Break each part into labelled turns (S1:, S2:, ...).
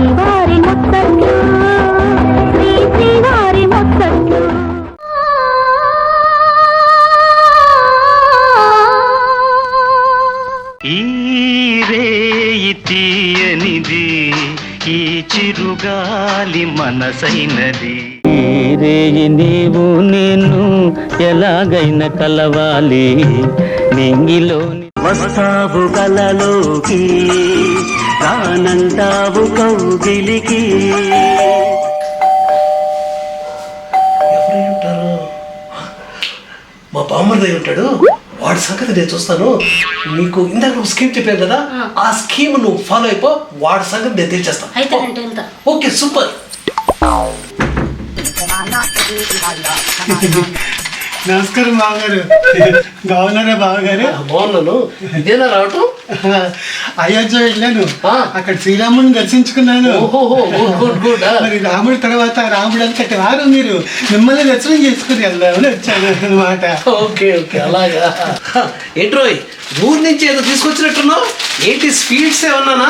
S1: శ్రీవారి ముత్తట్లు శ్రీవారి ముత్తట్లు
S2: ఈ రేయి తీయనిది ఈ చిరుగాలి మనసైనది ఈ రేయి నీవు నేను ఎలాగైనా కలవాలి నింగిలోని వస్తావు కలలోకి రానంటావు కౌగిలికి
S3: ఎవరు మా బామ్మర్దయ్య ఉంటాడు వాడి సంగతి నేను చూస్తాను. నీకు ఇందాక నువ్వు స్కీమ్ చెప్పాను కదా, ఆ స్కీమ్ నువ్వు ఫాలో అయిపో, వాడి సంగతి నేను తెలిచేస్తాను. Okay super.
S4: నమస్కారం బావగారు. బాగున్నారా బావగారు?
S3: బాగున్నాను. ఇదేనా రావటం?
S4: అయోధ్య వెళ్ళాను, అక్కడ శ్రీరాముడిని దర్శించుకున్నాను. మరి రాముడి తర్వాత రాముడు అంతటి వారు మీరు, మిమ్మల్ని దర్శనం చేసుకుని వెళ్దామని వచ్చాను అనమాట.
S3: ఓకే ఓకే అలాగా. ఏంట్రోయ్ ఊరు నుంచి ఏదో తీసుకొచ్చినట్టున్నావు, ఏంటి స్వీట్స్ ఏమన్నానా?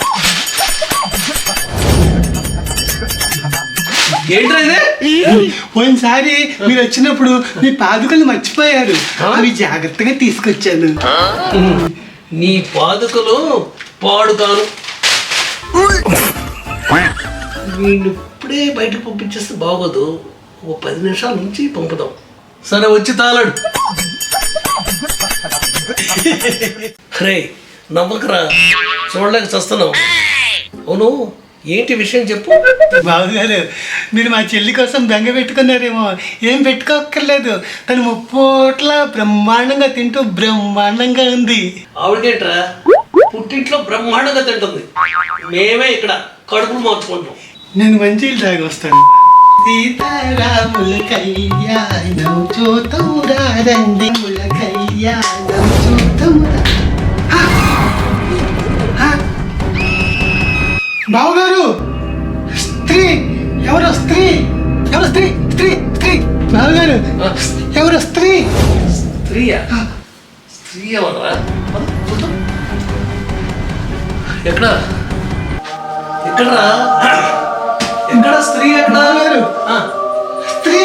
S3: ఏంట్రా ఇదే?
S4: పోయినసారి మీరు వచ్చినప్పుడు మీ పాదుకలు మర్చిపోయారు, అవి జాగ్రత్తగా తీసుకొచ్చాను.
S3: నీ పాదుకలు పాడుగాను. వీళ్ళు ఇప్పుడే బయటకు పంపించేస్తే బాగోదు, ఓ 10 నిమిషాల నుంచి పంపుదాం. సరే వచ్చి తాళాడు. రే నమ్మకరా, చూడలేక చస్తున్నావు. అవును ఏంటి విషయం చెప్పు.
S4: బావగారు మీరు మా చెల్లి కోసం బెంగ పెట్టుకున్నారేమో, ఏం పెట్టుకోక్కర్లేదు. తను ముప్పోట్ల బ్రహ్మాండంగా తింటూ బ్రహ్మాండంగా ఉంది.
S3: ఆవిడేంట్రా పుట్టింట్లో బ్రహ్మాండంగా తింటుంది, మేమే ఇక్కడ కడుపులు మార్చుకుంటాం.
S4: నేను మంచిలు తాగి వస్తాను. సీతారాముల కళ్యాణం చూతమురా రండి, ముల కళ్యాణం చూతమురా. బావగారు స్త్రీ ఎవరో, స్త్రీ ఎవరో, స్త్రీ స్త్రీ స్త్రీ. బావగారు ఎవరో స్త్రీ.
S3: స్త్రీయా? స్త్రీ ఎవరా? ఎక్కడ ఎక్కడరా? ఎక్కడ స్త్రీ? ఎక్కడ
S4: బావగారు స్త్రీ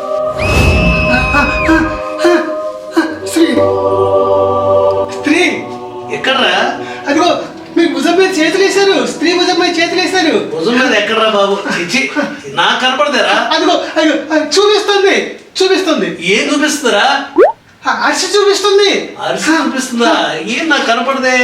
S4: స్త్రీ స్త్రీ
S3: ఎక్కడరా?
S4: అదిగో మీరు భుజం మీద చేతులు వేశారు, స్త్రీ భుజం మీద చేతులు వేశారు.
S3: భుజం మీద ఎక్కడరా బాబు? చిచ్చి నాకు కనపడతారా?
S4: అదిగో అదిగో చూపిస్తుంది చూపిస్తుంది.
S3: ఏం చూపిస్తుందిరా?
S4: అరిసి చూపిస్తుంది.
S3: అరిసి చూపిస్తుందా? ఏం నాకు కనపడదే.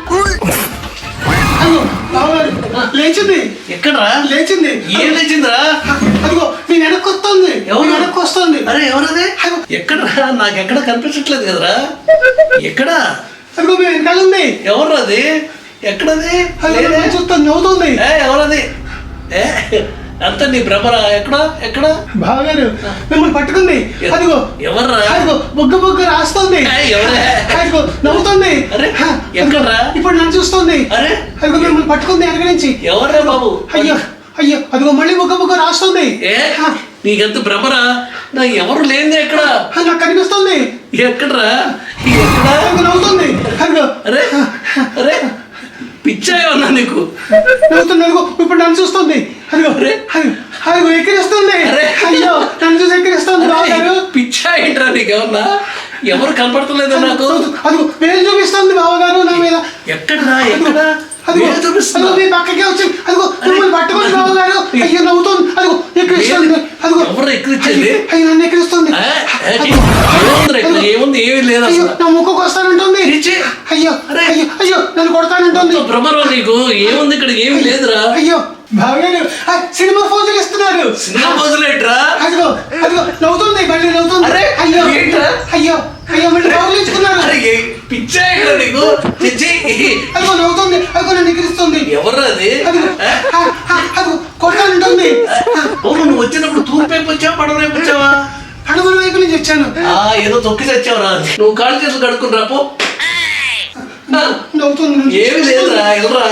S4: అదిగో బావగారు లేచింది.
S3: ఎక్కడరా?
S4: లేచింది.
S3: ఏం లేచిందిరా?
S4: అదిగో మీ వెనక్కి వస్తుంది.
S3: ఎవరు
S4: వెనక్కి వస్తుంది?
S3: అరే ఎవరదే? ఎక్కడరా? నాకు ఎక్కడ కనిపించట్లేదు కదరా. ఎక్కడా?
S4: అదిగో మీ వెనకాల ఉంది.
S3: ఎవరు అది? ఎక్కడది?
S4: చూస్తుంది, నవ్వుతుంది.
S3: ఎవరది? అంత నీ భ్రమరా? ఎక్కడ ఎక్కడ?
S4: బావగారు మిమ్మల్ని పట్టుకుంది. అదిగో
S3: ఎవర్రా?
S4: అదిగో బొగ్గ బొగ్గ రాస్తుంది. అదిగో నవ్వుతుంది.
S3: అరే ఎక్కడరా?
S4: ఇప్పుడు నన్ను చూస్తుంది.
S3: అరే
S4: అదిగో మిమ్మల్ని పట్టుకుంది వెనక నుంచి.
S3: ఎవర్రా బాబు?
S4: అయ్యో అయ్యో అదిగో మళ్ళీ బొగ్గ బొగ్గ రాస్తుంది.
S3: నీకెంత భ్రమరా? నా ఎవరు లేనిది ఎక్కడ?
S4: నాకు కనిపిస్తుంది.
S3: ఎక్కడరా? ఎక్కడ?
S4: నవ్వుతుంది. అదిగో
S3: అరే అరే పిచ్చా ఏమన్నా నీకు?
S4: నవ్వుతుంది. అదిగో ఇప్పుడు నన్ను చూస్తుంది. అదిగో అదిగో ఎక్కిరిస్తుంది. అయ్యో నన్ను చూసి ఎక్కిరిస్తుంది. బావగారు
S3: పిచ్చా ఏంట్రా నీకేమన్నా? ఎవరు కనపడతలేదు నాకు.
S4: అదిగో వేలు చూపిస్తుంది బావగారు నా మీద.
S3: ఎక్కడరా? ఎక్కడ చూపిస్తుంది?
S4: మీ పక్కకే వచ్చి అదిగో మిమ్మల్ని పట్టుకొని బావగారు. అయ్యో నవ్వుతుంది. అదిగో ఎక్కిరిస్తుంది. అదిగో
S3: ఎవరు ఎక్కిరిచ్చేది?
S4: అయ్యో నన్ను ఎక్కిరిస్తుంది.
S3: ఏముంది? ఏమీ లేదు.
S4: అయ్యో నా ముక్కుకు వస్తానంటుంది. అయ్యో అయ్యో అయ్యో నన్ను కొడతానంటుంది.
S3: భ్రమరా నీకు? ఏముంది ఇక్కడ? ఏమి లేదురా.
S4: అయ్యో బావగారు సినిమా ఫోజులు ఇస్తున్నారు.
S3: సినిమా ఫోజులు ఏంట్రా?
S4: అదిగో అదిగో నవ్వుతుంది. మళ్ళీ నవ్వుతుంది. అయ్యో అయ్యో అయ్యో మళ్ళీ బాగులేచుకున్నారు.
S3: పిచ్చా ఇక్కడ నీకు?
S4: అదిగో నవ్వుతుంది. అదిగో నన్ను ఎక్కిరిస్తుంది.
S3: ఎవరు అది?
S4: అదిగో కొడతానంటుంది.
S3: నువ్వు వచ్చినప్పుడు తూర్పు వైపు వచ్చావా పడవ వైపు వచ్చావా?
S4: పడమల వైపు నుంచి వచ్చాను.
S3: ఏదో తొక్కి తెచ్చావురా. నువ్వు కాళ్ళు చేతులు కడుక్కుని రాపో.
S4: నవ్వుతుంది.
S3: ఏమి లేదురా. ఎవరా?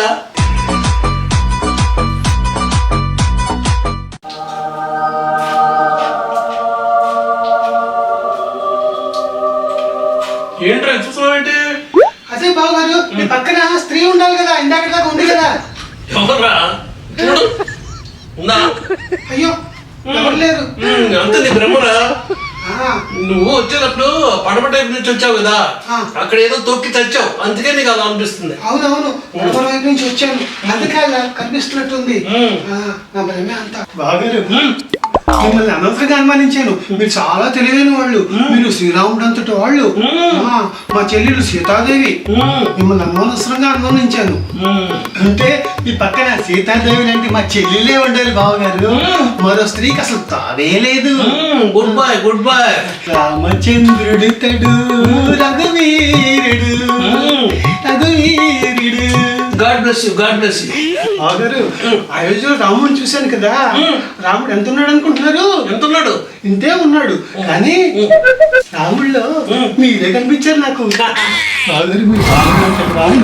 S3: ఏంట్రా చూసావేంటి?
S4: అదే బావగారు మీ పక్కన స్త్రీ ఉండాలి కదా, ఇందాక దాకా ఉంది కదా.
S3: ఎవర్రా? చూడు ఉందా?
S4: అయ్యో ఎవరు లేరు.
S3: అంత నీ భ్రమరా?
S4: ఆ,
S3: నువ్వు వచ్చేటప్పుడు పడమ టైప్ నుంచి వచ్చావు కదా,
S4: ఆ.
S3: అక్కడ ఏదో తొక్కి చచ్చావు, అందుకే నీకు అలా అనిపిస్తుంది.
S4: అవునవును పడమర వైపు నుంచి వచ్చాను, అందుకే అలా కనిపిస్తున్నట్టుంది. నా భయమే అంత. బాగారు మిమ్మల్ని అనవసరంగా అనుమానించాను. మీరు చాలా తెలివైన వాళ్ళు. మీరు శ్రీరాముడు అంతటి వాళ్ళు. మా చెల్లెలు సీతాదేవి. మిమ్మల్ని అనవసరంగా అనుమానించాను. అంటే ఈ పక్కన సీతాదేవి లాంటి మా చెల్లెలే ఉండాలి బావగారు. మరో స్త్రీకి అసలు తావే లేదు.
S3: Good boy, good boy.
S4: రామచంద్రుడు తడు రఘువీరుడు రఘువీరుడు.
S3: God bless you, God bless you.
S4: బావగారు అయోధ్యలో రాముడిని చూశాను కదా, రాముడు ఎంత ఉన్నాడు అనుకుంటున్నారు?
S3: ఎంత ఉన్నాడు?
S4: ఇంతే ఉన్నాడు. కానీ రాముడిలో మీరే కనిపించారు నాకు. బావగారు మీరు బాగున్నారు.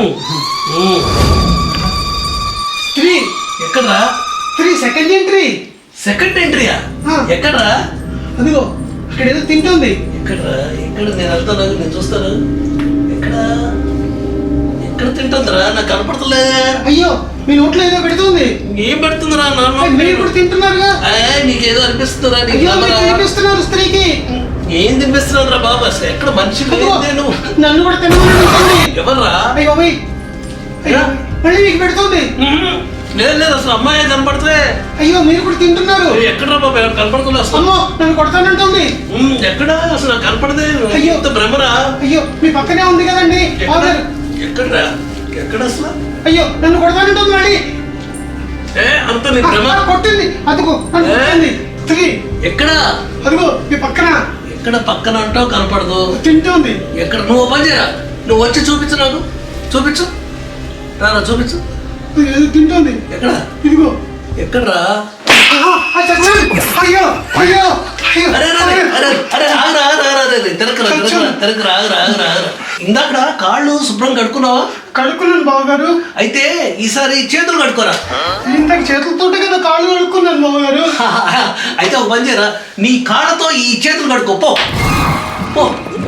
S4: స్త్రీ
S3: ఎక్కడరా?
S4: స్త్రీ సెకండ్ ఎంట్రీ.
S3: సెకండ్ ఎంట్రీయా? ఎక్కడరా?
S4: అదిగో ఇక్కడ ఏదో తింటుంది.
S3: ఎక్కడరా? ఎక్కడ? నేను వెళ్తాను, నేను చూస్తాను. ఎక్కడ ఎక్కడ తింటుందిరా? నాకు కనపడతలే.
S4: అయ్యో మీ నోట్లో ఏదో పెడుతుంది.
S3: ఏం పెడుతుందిరా?
S4: మీరు కూడా తింటున్నారుగా.
S3: నీకేదో అనిపిస్తుందిరా?
S4: అయ్యో మీరు తినిపిస్తున్నారు స్త్రీకి.
S3: ఏం తినిపిస్తున్నాను రా బాబు? అసలు ఎక్కడ మనిషి నేను?
S4: నన్ను కూడా తినమని.
S3: ఎవర్రా?
S4: అయ్యో మళ్ళీ మీకు పెడుతుంది.
S3: లేదు లేదు, అసలు అమ్మాయి కనపడితే.
S4: అయ్యో మీరు కూడా తింటున్నారు.
S3: ఎక్కడరా బాబు? కనపడుతుంది అసలు.
S4: అమ్మో నన్ను కొడతానంటుంది.
S3: ఎక్కడ అసలు నాకు కనపడదే.
S4: అయ్యో
S3: భ్రమరా?
S4: అయ్యో మీ పక్కనే ఉంది కదండి.
S3: ఎక్కడరా? ఎక్కడ అసలు?
S4: అయ్యో నన్ను కొడతానంటుంది మళ్ళీ.
S3: అంత నీ భ్రమ.
S4: కొట్టింది అదిగో నన్ను కొట్టింది. స్త్రీ
S3: ఎక్కడ?
S4: అదిగో మీ పక్కన.
S3: ఎక్కడ పక్కన అంటావు? కనపడదు.
S4: తింటుంది.
S3: ఎక్కడ? నువ్వు పని చేయరా, నువ్వు వచ్చి చూపించు, నాకు చూపించు. రారా చూపించు.
S4: ఏదో తింటుంది.
S3: ఎక్కడ?
S4: ఇదిగో.
S3: ఎక్కడరా?
S4: అయ్యో అయ్యో
S3: ఇందాక కాళ్ళు శుభ్రం కడుక్కున్నావా?
S4: కడుక్కున్నాను బావగారు.
S3: అయితే ఈసారి చేతులు కడుక్కోరా.
S4: ఇంతకు చేతులతోటే కదా కాళ్ళు కడుక్కున్నాను బావగారు.
S3: అయితే ఒక పని చేయరా, నీ కాళ్ళతో ఈ చేతులు కడుక్కో. పో పో.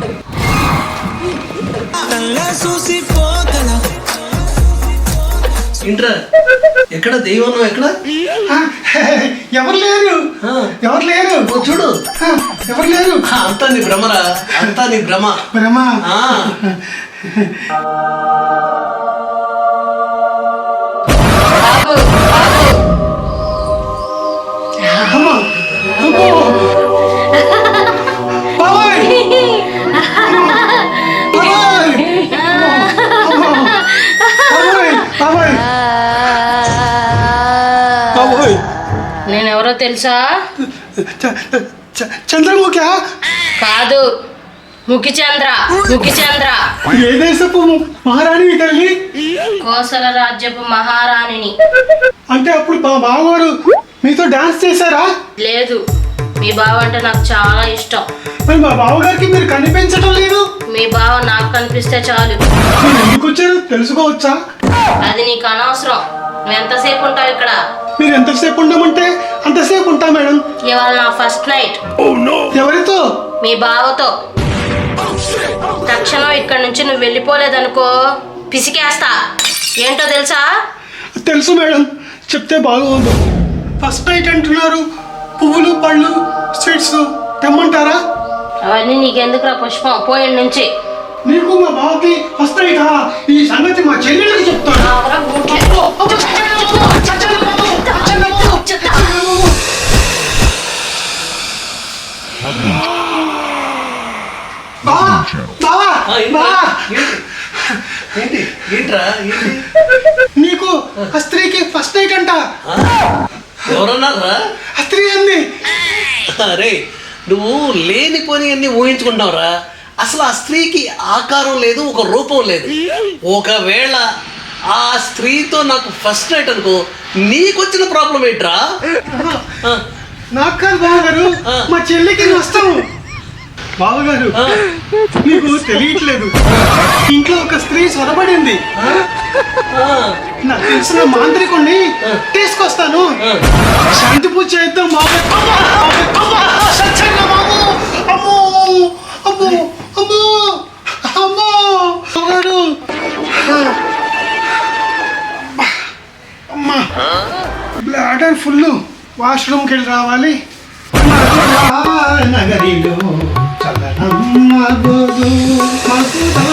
S3: ఇంట్రా. ఎక్కడ దెయ్యం? ఎక్కడ?
S4: ఎవరు లేరు. ఎవరు లేరు.
S3: చూడు,
S4: ఎవరు లేరు.
S3: అంతా నీ భ్రమరా? అంతా నీ భ్రమ.
S4: భ్రమ.
S5: నేనెవరో తెలుసా?
S4: చంద్రముఖి
S5: కాదు, ముఖిచంద్ర. ముఖిచంద్ర
S4: ఏ దేశపు మహారాణి తల్లి?
S5: కోసల రాజ్యపు మహారాణిని.
S4: అంటే అప్పుడు మా బావగారు మీతో డాన్స్ చేశారా?
S5: లేదు, మీ బావ అంటే నాకు చాలా ఇష్టం.
S4: మరి మా బావగారికి మీరు కనిపించడం లేదు.
S5: మీ బావ నాకు కనిపిస్తే చాలు.
S4: మీరు ఎందుకు వచ్చారు తెలుసుకోవచ్చా?
S5: అది నీకు అనవసరం. నువ్వు ఎంతసేపు ఉంటావు ఇక్కడ?
S4: మీరు ఎంతసేపు ఉండమంటే అంతసేపు ఉంటా మేడం.
S5: ఇవాళ నా ఫస్ట్ నైట్.
S4: ఎవరితో?
S5: మీ బావతో. తక్షణం ఇక్కడి నుంచి నువ్వు వెళ్ళిపోలేదనుకో పిసికేస్తా. ఏంటో తెలుసా?
S4: తెలుసు మేడం, చెప్తే బాగుంది. ఫస్ట్ నైట్ అంటున్నారు, పువ్వులు పళ్ళు స్వీట్స్ తెమ్మంటారా?
S5: అవన్నీ నీకెందుకురా పుష్పం, పోయిన నుంచి.
S4: నీకు మా బావకి ఫస్ట్ నైటా? ఈ సంగతి మా చెల్లెళ్ళకి చెప్తాను.
S3: ఏంట్రా?
S4: నీకు ఆ స్త్రీకి ఫస్ట్ నైట్ అంట.
S3: ఎవరన్నారా?
S4: ఆ స్త్రీ అంది.
S3: అరే నువ్వు లేనిపోని అన్ని ఊహించుకుంటావురా. అసలు ఆ స్త్రీకి ఆకారం లేదు, ఒక రూపం లేదు. ఒకవేళ ఆ స్త్రీతో నాకు ఫస్ట్ నైట్ అనుకో, నీకొచ్చిన ప్రాబ్లం ఏంట్రా?
S4: నాకు కాదు బావగారు, మా చెల్లికి నష్టం. బావగారు నీకు తెలియట్లేదు, ఇంట్లో ఒక స్త్రీ సొరబడింది. నాకు తెలిసిన మాంత్రికుణ్ణి తీసుకొస్తాను, శాంతి పూజ చేద్దాం. బావగారు అమ్మా బ్లాడర్ ఫుల్, వాష్రూమ్కి వెళ్ళి రావాలి. నగరిలో చల్లనమ్మ గోదు మధురా.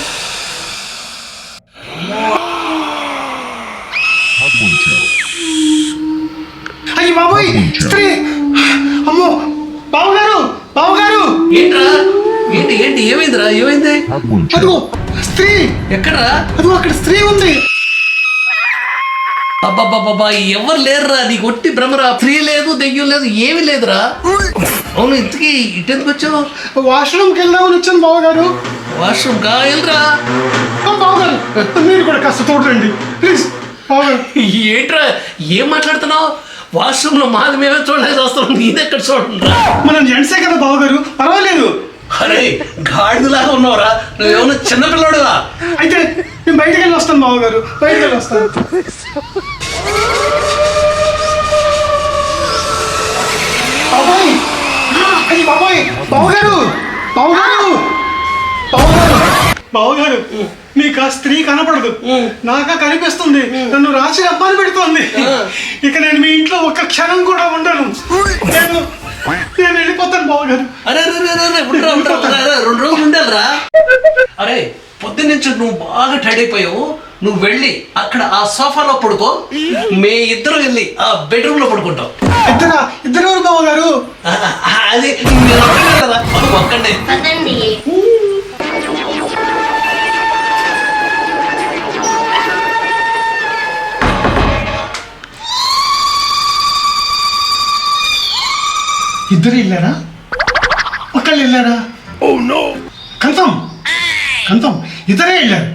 S4: అయ్యి బాబోయ్, స్త్రీ! అమ్మో, బావగారు, బావగారు!
S3: ఏంట్రా ఏంటి ఏంటి ఏమైందిరా ఏమైంది?
S4: అదిగో స్త్రీ!
S3: ఎక్కడ్రా?
S4: అదిగో అక్కడ స్త్రీ ఉంది.
S3: అబ్బాబ్బాబ్బా, ఎవరు లేరురా, నీకు ఒట్టి భ్రమరా. స్త్రీ లేదు, దెయ్యం లేదు, ఏమీ లేదురా. అవును, ఇంతకీ ఇటెందుకు వచ్చావు?
S4: వాష్రూమ్కి వెళ్దామని వచ్చాను బావగారు.
S3: వాష్రూమ్ కా వెళ్ళరా.
S4: బావగారు, మీరు కూడా కాస్త తోడండి ప్లీజ్. బావగారు,
S3: ఏంట్రా ఏం మాట్లాడుతున్నావు? వాష్రూమ్ లో మాది మేమే చూడలేదు వస్తాం, నేనెక్కడ చూడరా.
S4: మనం జెంట్సే కదా బావగారు, పర్వాలేదు.
S3: అరే గాడిదలాగా ఉన్నావురా, నువ్వేమన్నా చిన్నపిల్లోడుగా.
S4: అయితే నేను బయటకు వెళ్ళి వస్తాను బావగారు, బయటకు వెళ్ళి వస్తాను. బాబాయ్, అయ్యి బాబాయ్, బావగారు, బావగారు, బావగారు, బావగారు, మీకు ఆ స్త్రీ కనపడదు, నాకా కనిపిస్తుంది. నన్ను రాసి అబ్బాయి పెడుతోంది. ఇక నేను మీ ఇంట్లో ఒక్క క్షణం కూడా ఉండను. నేను వెళ్ళిపోతాను బావగారు.
S3: అరే ఉండరా 2 రోజులు ఉండాలిరా. అరే పొద్దున్నుంచి నువ్వు బాగా టైడ్ అయిపోయావు. నువ్వు వెళ్ళి అక్కడ ఆ సోఫాలో పడుకో, మే ఇద్దరు వెళ్ళి ఆ బెడ్రూమ్ లో పడుకుంటాం.
S4: ఇద్దరు బావగారు?
S3: అది మీరు ఒక్కడే కదా, ఒక్కడే.
S5: పదండి.
S4: ఇద్దరు వెళ్ళారా? ఒక్కళ్ళు వెళ్ళారా? ఓ నో, కన్ఫర్మ్ కన్ఫర్మ్, ఇద్దరే వెళ్ళారు.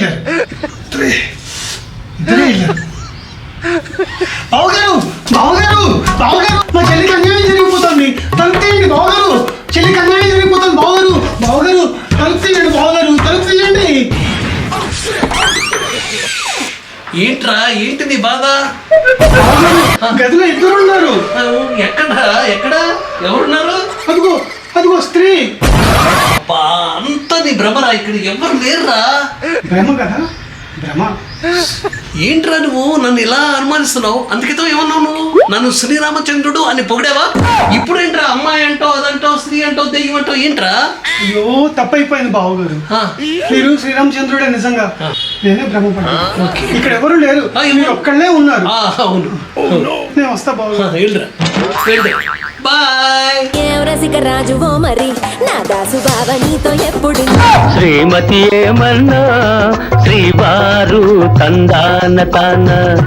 S4: బావగారు, బావగారు, బావగారు, మా చెల్లికి అన్యాయం జరిగిపోతుంది, తలుపు తీయండి బావగారు. చెల్లికి అన్యాయం జరిగిపోతుంది బావగారు. బావగారు, తలుపు తీయండి బావగారు, తలుపు తీయండి.
S3: ఏంట్రా ఏంటి నీ బాధ?
S4: గదిలో ఇద్దరు ఉన్నారు.
S3: ఎక్కడ ఎవరున్నారు?
S4: అదిగో అదిగో స్త్రీ.
S3: అంతా నీ భ్రమరా, ఇక్కడ ఎవరు లేరురా.
S4: భ్రమ కదా, భ్రమ.
S3: ఏంట్రా నువ్వు నన్ను ఇలా అనుమానిస్తున్నావు? అందుకేతో ఏమన్నావు నువ్వు? నన్ను శ్రీరామచంద్రుడు అని పొగిడావా? ఇప్పుడు ఏంట్రా అమ్మాయి అంటావు, అదంటావు, స్త్రీ అంటావు, దెయ్యం అంటావు, ఏంట్రా?
S4: అయ్యో తప్పైపోయింది బావగారు. మీరు శ్రీరామచంద్రుడే నిజంగా, నేనే భ్రమపడ్డాను. ఇక్కడ ఎవరు లేరు, మీరు ఒక్కళ్ళే ఉన్నారు.
S3: అవును,
S4: నేను వస్తా బావగారు.
S3: బాయ్.
S1: రసిక రాజువో మరి నా దాసు బావ నీతో ఎప్పుడు
S2: శ్రీమతి ఏమన్నా శ్రీవారు తందాన తాన